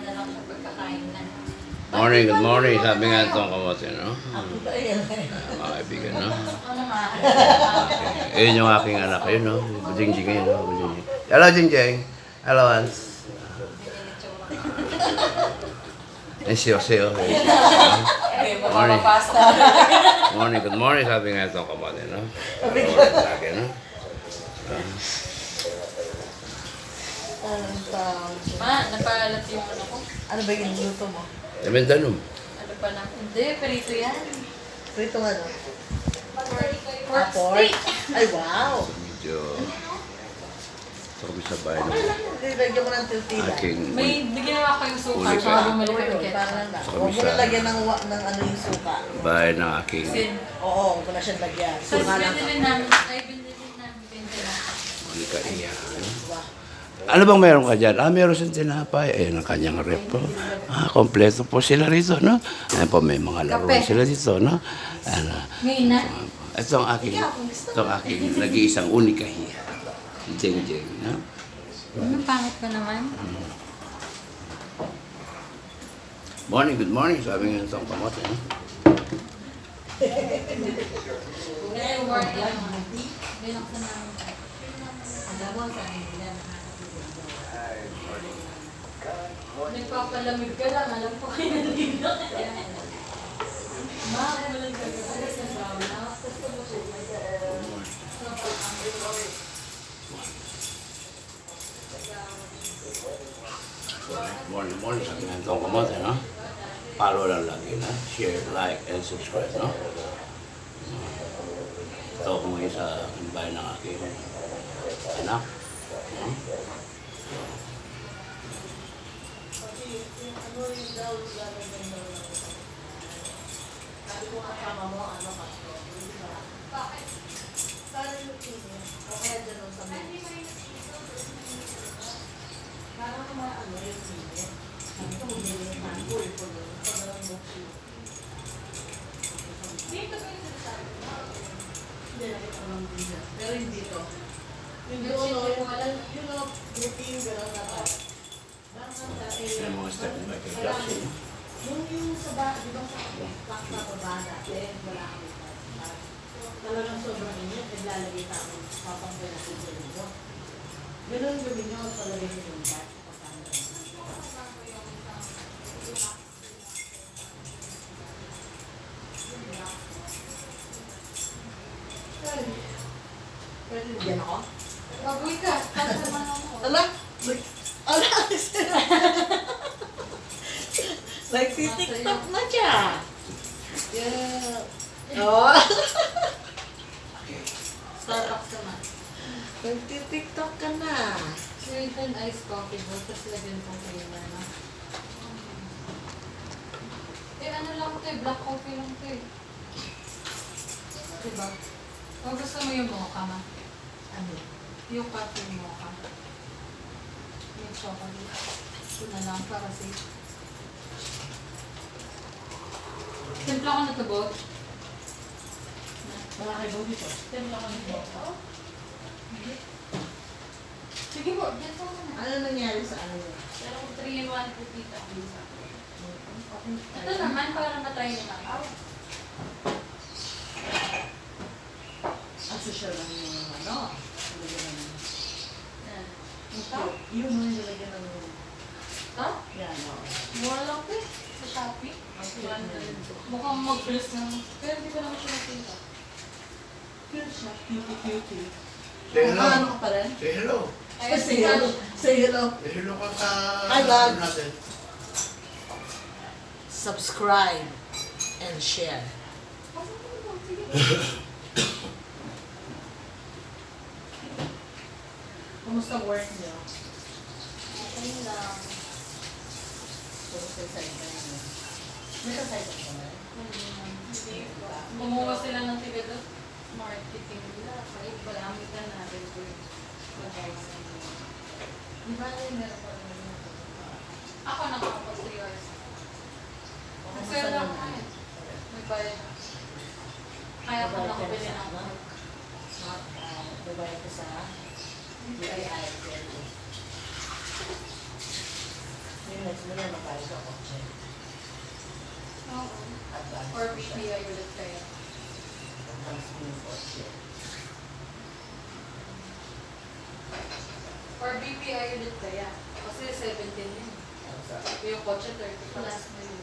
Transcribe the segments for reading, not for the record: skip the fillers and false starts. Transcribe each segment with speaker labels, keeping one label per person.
Speaker 1: na lang sa pagkakain na.
Speaker 2: Morning, good morning. Sabi nga itong kamote, no? Mga kaibigan, no?
Speaker 1: Ano ma?
Speaker 2: Okay. Ayun yung aking anak. Ayun, no? Jingjing ayun, no? Jingjing. Hello, Jingjing. Hello, Hans. Ay, siyo. Morning. Morning, good morning. Sabi nga itong kamote, no? Sa akin, no?
Speaker 1: Ma, napalat yung ano ko.
Speaker 3: Ano ba yung luto mo?
Speaker 2: Lementanum.
Speaker 1: Ano pa na? Hindi, perito yan.
Speaker 3: Prito ano?
Speaker 1: Pork
Speaker 3: Pork?
Speaker 1: steak.
Speaker 3: Ay, wow!
Speaker 2: Medyo... Ito kami sa bahay ng
Speaker 3: Lagyan mo ng tortilla.
Speaker 2: aking...
Speaker 1: May bigyan ako yung suka.
Speaker 2: Uli ka.
Speaker 1: Tsaka bumalik kami
Speaker 3: Parang
Speaker 1: ketchup.
Speaker 3: na.
Speaker 2: Sa
Speaker 3: Huwag mo
Speaker 2: kabisa.
Speaker 3: na lagyan ng ano yung suka.
Speaker 2: Bahay ng aking...
Speaker 1: Sin.
Speaker 3: Oo, huwag mo na siyang lagyan.
Speaker 1: So,
Speaker 3: Suka lang.
Speaker 1: binili namin. Ay, binili namin. Benta na.
Speaker 2: Monica Iya.
Speaker 3: Diba?
Speaker 2: Ano bang meron ka dyan? Meron siyang tinapay. Ayun ang kanyang rep po. Kompleto po sila rito, no? Ayan po, may mga laruan
Speaker 1: Kape.
Speaker 2: sila dito, no? Ano,
Speaker 1: Ngayon na.
Speaker 2: ito ang aking nag-iisang unika hiya. Si Jeng Jeng, no?
Speaker 1: Ano, pangit pa naman?
Speaker 2: Morning, good morning. Sabi nga itong kamote, no?
Speaker 1: Ngayon, work lang. Binaksan namin. Alam mo, sa akin nila. Nagpapalamig ka lang. Alam ko kayo nandito. Ma, walang gagawin sa brown.
Speaker 2: Morning. Sabi nga itong kamote, no? Follow lang lagi, no? Share, like, and subscribe, no? Ito ako ngayon sa bahay ng aking anak. No?
Speaker 3: Sabi ko nga kama mo, ano ka? Bakit? Parang yung tingin. O kaya dyan sa mga. Parang naman ano yung tingin. Sabi ko, hindi yung mango. Parang boxy. Dito ba yung sinasabi ko? Hindi, nakita ko lang din. Pero hindi to. Yung routine gano'n na tayo.
Speaker 2: Yan ang mga step ni Michael Jackson, no?
Speaker 3: Yung sa ba, di ba sa class na baba dati, wala kami pa. Talagang sobrang inyo, naglalagay na ako, papanggal na sa linggo. Ganun gawin nyo, palagay nyo yung bat. Pwede bigyan ako?
Speaker 1: Baboy ka. Tapos naman ako.
Speaker 3: Ala! Ala! Nagtitiktok na siya! Yeah! Oh!
Speaker 1: Starbucks naman.
Speaker 3: Nagtitiktok ka na!
Speaker 1: Sweet and iced coffee mo. Tapos lagyan kong creamer na. Ano lang ito eh. Black coffee lang ito eh. Diba? O gusto mo yung mocha ma?
Speaker 3: Ano?
Speaker 1: Yung coffee mocha. Yung chocolate. Ito na lang para safe. Timpla ko na ito, Bot.
Speaker 3: Malaki ba dito?
Speaker 1: Timpla ko na ito. Sige po, dito ko na.
Speaker 3: Ano nangyari sa ano yun?
Speaker 1: Pero kung 3-in-1 po tita. Ito naman, para matry nila.
Speaker 3: Ang social lang yung ano? Nilagyan ng...
Speaker 1: Ito?
Speaker 3: Yung mga nilagyan ng...
Speaker 1: Ito?
Speaker 3: Yan, o.
Speaker 1: Mura lang po eh. Sa Shopee. Mukhang mag-bless ng... Pero hindi ko naman siya nakita.
Speaker 3: Cute siya. Cutie.
Speaker 2: Say hello.
Speaker 3: Ano ka pa rin?
Speaker 2: Say hello.
Speaker 1: Ayun,
Speaker 3: Say hello. Say hello.
Speaker 2: Say hello ka sa...
Speaker 3: Hi, Bob.
Speaker 2: natin.
Speaker 3: Subscribe and share. Kumusta work niyo?
Speaker 1: Okay lang.
Speaker 3: Kumusta yung side ka niyo? May ka-side ka ba?
Speaker 1: Kumuha sila ng tiga doon. Marketing nila. Kaya palamit na natin po yung
Speaker 3: Di ba yung meron pa rin na
Speaker 1: Ako nakapag 3 hours.
Speaker 3: Kumusta
Speaker 1: Sir lang
Speaker 3: naman?
Speaker 1: kayo. May bayad. Kaya ako nakabili ng work.
Speaker 3: Babayad ka sa BII. Yung next mo na kayo magkano sa kotse.
Speaker 1: Oo.
Speaker 3: Advance
Speaker 1: Or
Speaker 3: po siya.
Speaker 1: BPI ulit kaya.
Speaker 3: Advance po yung kotse.
Speaker 1: Or BPI ulit kaya. Kasi 17 yun.
Speaker 3: Ano sa-
Speaker 1: Yung kotse 30 plus na yun.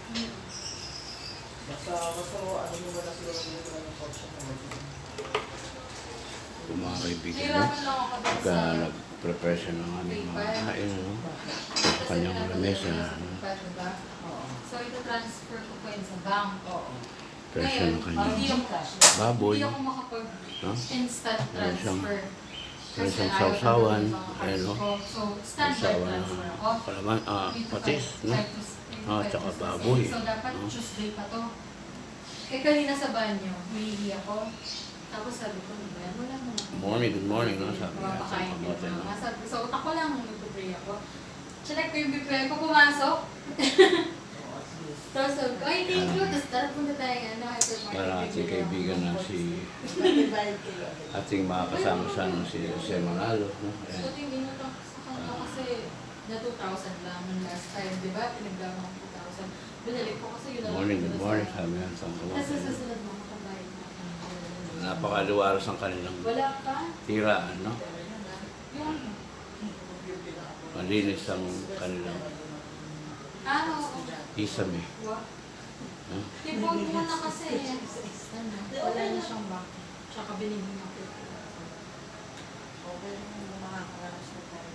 Speaker 3: Basta ano mo ba na siguro dito lang yung kotse na mag-
Speaker 2: Kung mga kaibigan, no?
Speaker 1: Hirapan lang ako dun
Speaker 2: Pagka
Speaker 1: sa...
Speaker 2: nag-prepare siya ng aming mga kain, no? Sa kanyang lamesa, no?
Speaker 1: Diba?
Speaker 3: Oo.
Speaker 1: So, ito transfer ko pa yun sa bank.
Speaker 3: Oo.
Speaker 2: Prepare siya ng
Speaker 1: Hindi
Speaker 2: kanyang
Speaker 1: ako,
Speaker 2: baboy,
Speaker 1: hindi ako makapag-instant
Speaker 2: no? Meron siyang-
Speaker 1: transfer.
Speaker 2: meron siyang
Speaker 1: ayaw ko
Speaker 2: sausawan,
Speaker 1: ng mga
Speaker 2: ayun, no?
Speaker 1: cards ko. So, standard
Speaker 2: Sausawan
Speaker 1: transfer
Speaker 2: ng
Speaker 1: ako.
Speaker 2: palaman,
Speaker 1: Dito
Speaker 2: patis,
Speaker 1: five-
Speaker 2: no?
Speaker 1: five to six-
Speaker 2: Ah,
Speaker 1: five
Speaker 2: tsaka
Speaker 1: to six
Speaker 2: baboy,
Speaker 1: days. So, dapat
Speaker 2: no?
Speaker 1: Tuesday pa to. Eh, kanina sa banyo, humihi ako. Tapos sabi ko, ano ba yan? Wala naman.
Speaker 2: Good morning, no? Sabi nga sa
Speaker 1: Mapakain ko
Speaker 2: kamote, no?
Speaker 1: na. Sabi ko, sa utak ko lang, nagpupray ako. Chinek ko yung BPI ko, pumasok.
Speaker 3: Oo, at least.
Speaker 1: Tapos sabi ko, ay, thank you. Tapos tara, punta tayo nga.
Speaker 2: Para ating kaibigan na si
Speaker 3: Mag-divide kayo.
Speaker 2: ating mga kasama sa si Jose Manalo, no? Ayan.
Speaker 1: Buti ginutang ko sa kanila kasi na 2,000 lang nung last time, di ba? Pinagdama ko 2,000. Binalik ko kasi yun lang.
Speaker 2: Good morning, sabi nga sa
Speaker 1: Tapos
Speaker 2: kamote,
Speaker 1: sa
Speaker 2: no?
Speaker 1: susunod mo, makabayad na ako.
Speaker 2: Napakaluwaros ang kanilang
Speaker 1: Wala pa.
Speaker 2: tiraan, no?
Speaker 1: Yung,
Speaker 2: Malinis ang kanilang
Speaker 1: ano,
Speaker 2: isame,
Speaker 1: wa.
Speaker 2: no?
Speaker 1: Tipon mo na kasi. Ano, wala na siyang bank. Tsaka binigyan ako.
Speaker 3: Okay, makakaranas na tayo.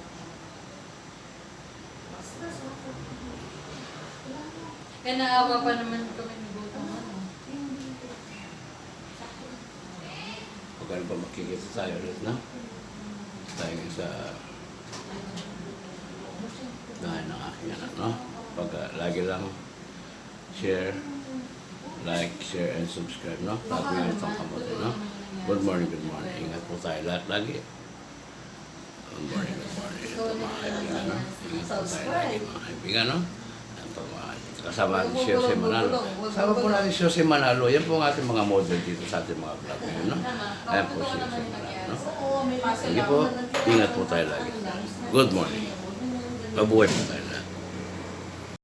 Speaker 3: Mas
Speaker 1: Kaya naawa pa naman kami ni Butong. Ano?
Speaker 2: Pag ano pa makikita tayo ulit, no? Tayo nga sa dahil ng aking anak, no? Pag lagi lang share, like, share, and subscribe, no? Sabi nga itong kamote, no? Good morning, good morning. Ingat po tayo lahat lagi. Good morning, good morning. Ito mga kaibigan, no? Ingat po tayo lagi, mga kaibigan, no? Ito mga kasama natin si Jose Manalo. Kasama po natin si Jose Manalo. Yan po ang ating mga model dito sa ating mga vlog ngayon, no? Ayan po si Jose Manalo, no?
Speaker 3: Oo, may
Speaker 2: Sige po, ingat po tayo lagi. Good morning. Mabuhay po tayo.